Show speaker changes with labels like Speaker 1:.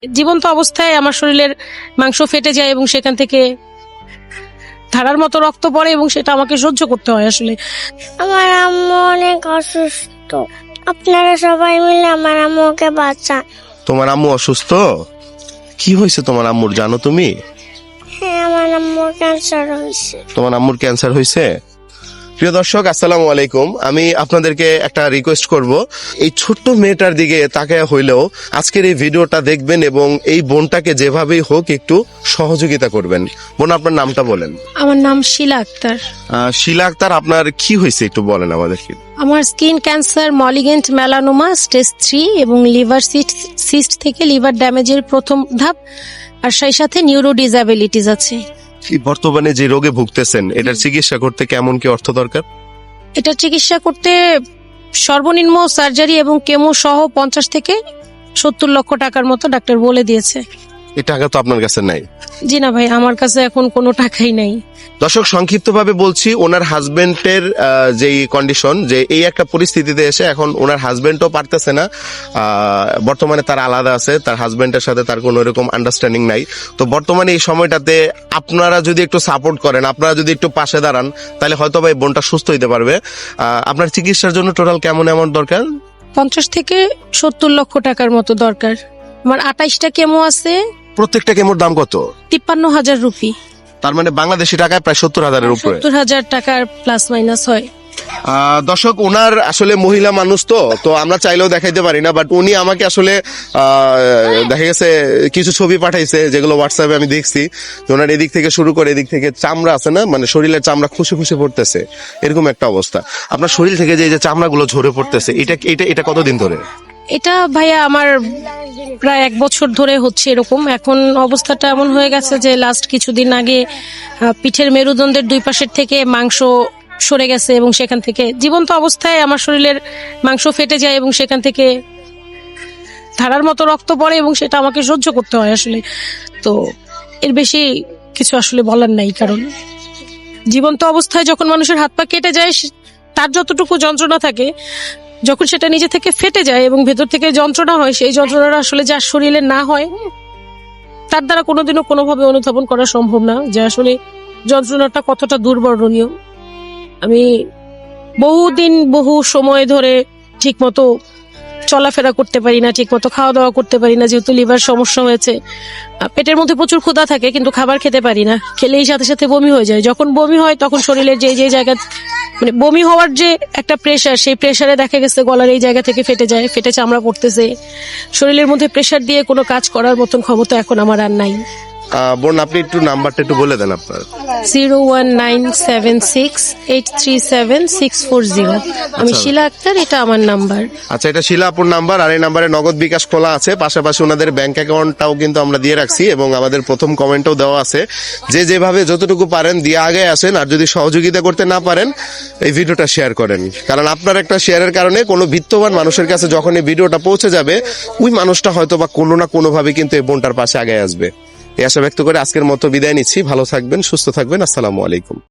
Speaker 1: জীবন্ত অবস্থায় আমার শরীরের মাংস ফেটে যায় এবং সেখান থেকে ধারার মতো রক্ত পড়ে এবং সেটা আমাকে সহ্য করতে হয়। আসলে
Speaker 2: আমার আম্মু অনেক অসুস্থ, আপনারা সবাই মিলে আমার আম্মুকে বাঁচান।
Speaker 3: তোমার আম্মু অসুস্থ? কি হয়েছে তোমার আম্মুর জানো তুমি?
Speaker 2: হ্যাঁ, আমার আম্মুর ক্যান্সার হয়েছে।
Speaker 3: তোমার আম্মুর ক্যান্সার হয়েছে? প্রিয় দর্শক, আসসালামু আলাইকুম। আমি আপনাদেরকে একটা রিকোয়েস্ট করব, এই ছোট্ট মেয়েটার দিকে তাকায় হইলেও আজকের এই ভিডিওটা দেখবেন এবং এই বোনটাকে যেভাবেই হোক একটু সহযোগিতা করবেন। বোন, আপনার নামটা বলেন।
Speaker 1: আমার নাম শিলা আক্তার।
Speaker 3: শিলা আক্তার, আপনার কি হয়েছে একটু বলেন আমাদেরকে।
Speaker 1: আমার skin cancer, malignant melanoma stage 3 এবং লিভার সিস্ট থেকে লিভার ড্যামেজের প্রথম ধাপ, আর সেই সাথে নিউরো ডিসএবিলিটিস আছে।
Speaker 3: বর্তমানে যে রোগে ভুগতেছেন, এটার চিকিৎসা করতে কেমন কি অর্থ দরকার?
Speaker 1: এটা চিকিৎসা করতে সর্বনিম্ন সার্জারি এবং কেমো সহ 50 থেকে 70 লক্ষ টাকার মতো ডাক্তার বলে দিয়েছে।
Speaker 3: এই টাকা তো আপনার কাছে নাই।
Speaker 1: জি না ভাই, আমার কাছে এখন কোনো টাকাই নাই।
Speaker 3: দর্শক, সংক্ষিপ্তভাবে বলছি, ওনার হাজবেন্ডের যেই কন্ডিশন, যে এই একটা পরিস্থিতিতে এসে এখন ওনার হাজবেন্ডও পারতেছে না। বর্তমানে তার আলাদা আছে, তার হাজবেন্ডের সাথে তার কোনো এরকম আন্ডারস্ট্যান্ডিং নাই। তো বর্তমানে এই সময়টাতে আপনারা যদি একটু সাপোর্ট করেন, আপনারা যদি একটু পাশে দাঁড়ান, তাহলে হয়তো বা এই বোনটা সুস্থ হইতে পারবে। আপনার চিকিৎসার জন্য টোটাল কেমন অ্যামাউন্ট দরকার?
Speaker 1: 50 থেকে 70 লক্ষ টাকার মতো দরকার। আমার 28টা কেমো আছে।
Speaker 3: প্রত্যেকটা কেমোর দাম কত?
Speaker 1: 53,000 রুপি।
Speaker 3: তার মানে বাংলাদেশি টাকায় প্রায় 70,000-এর উপরে।
Speaker 1: 70,000 টাকার প্লাস মাইনাস হয়।
Speaker 3: দর্শক, ওনার আসলে মহিলা মানুষ, তো আমরা চাইলেও দেখাইতে পারি না, বাট উনি আমাকে আসলে দেখা গেছে কিছু ছবি পাঠাইছে, যেগুলো হোয়াটসঅ্যাপে আমি দেখছি। ওনার এদিক থেকে শুরু করে এদিক থেকে চামড়া আছে না, মানে শরীরের চামড়া খুশি খুশি পড়তেছে, এরকম একটা অবস্থা। আপনার শরীর থেকে যে চামড়াগুলো ঝরে পড়তেছে, এটা কতদিন ধরে?
Speaker 1: এটা ভাইয়া আমার প্রায় 1 বছর ধরে হচ্ছে এরকম। এখন অবস্থাটা এমন হয়ে গেছে যে লাস্ট কিছুদিন আগে পিঠের মেরুদণ্ডের 2 পাশের থেকে মাংস সরে গেছে এবং সেখান থেকে জীবন্ত অবস্থায় আমার শরীরের মাংস ফেটে যায় এবং সেখান থেকে ধারার মতো রক্ত পড়ে এবং সেটা আমাকে সহ্য করতে হয়। আসলে তো এর বেশি কিছু আসলে বলার নাই, কারণ জীবন্ত অবস্থায় যখন মানুষের হাত পা কেটে যায়, তার যতটুকু যন্ত্রণা থাকে, যখন সেটা নিজে থেকে ফেটে যায় এবং ভেতর থেকে যন্ত্রণা হয়, সেই যন্ত্রণাটা আসলে যার শরীরে না হয়, তার দ্বারা কোনোদিনও কোনোভাবে অনুধাবন করা সম্ভব না যে আসলে যন্ত্রণাটা কতটা দুর্বর্ণনীয়। আমি বহুদিন বহু সময় ধরে ঠিকমতো চলাফেরা করতে পারি না, ঠিকমতো খাওয়া দাওয়া করতে পারি না, যেহেতু লিভার সমস্যা হয়েছে। পেটের মধ্যে প্রচুর ক্ষুধা থাকে কিন্তু খাবার খেতে পারি না, খেলেই সাথে সাথে বমি হয়ে যায়। যখন বমি হয় তখন শরীরের যে জায়গা, মানে বমি হওয়ার যে একটা প্রেসার, সেই প্রেসারে দেখা গেছে গলার এই জায়গা থেকে ফেটে যায়, ফেটে চামড়া পড়তেছে। শরীরের মধ্যে প্রেসার দিয়ে কোনো কাজ করার মতন ক্ষমতা এখন আমার আর নাই।
Speaker 3: বোন, আপনি একটু নাম্বারটা একটু বলে দেন আপনার।
Speaker 1: 01976837640। আমি শিলা আক্তার, এটা আমার নাম্বার।
Speaker 3: আচ্ছা, এটা শিলা আপুর নাম্বার, আর এই নাম্বারে নগদ বিকাশ খোলা আছে। পাশাপাশি ওনাদের ব্যাংক অ্যাকাউন্টটাও কিন্তু আমরা দিয়ে রাখছি এবং আমাদের প্রথম কমেন্টও দেওয়া আছে। যে যেভাবে যতটুকু পারেন দিয়ে আগে আসেন, আর যদি সহযোগিতা করতে না পারেন, এই ভিডিওটা শেয়ার করেন, কারণ আপনার একটা শেয়ারের কারণে কোনো বিত্তবান মানুষের কাছে যখন এই ভিডিওটা পৌঁছে যাবে, ওই মানুষটা হয়তো বা কোনো না কোনোভাবে কিন্তু এই বোনটার পাশে আগে আসবে। এই আশা ব্যক্ত করে আজকের মতো বিদায় নিচ্ছি। ভালো থাকবেন, সুস্থ থাকবেন। আসসালামু আলাইকুম।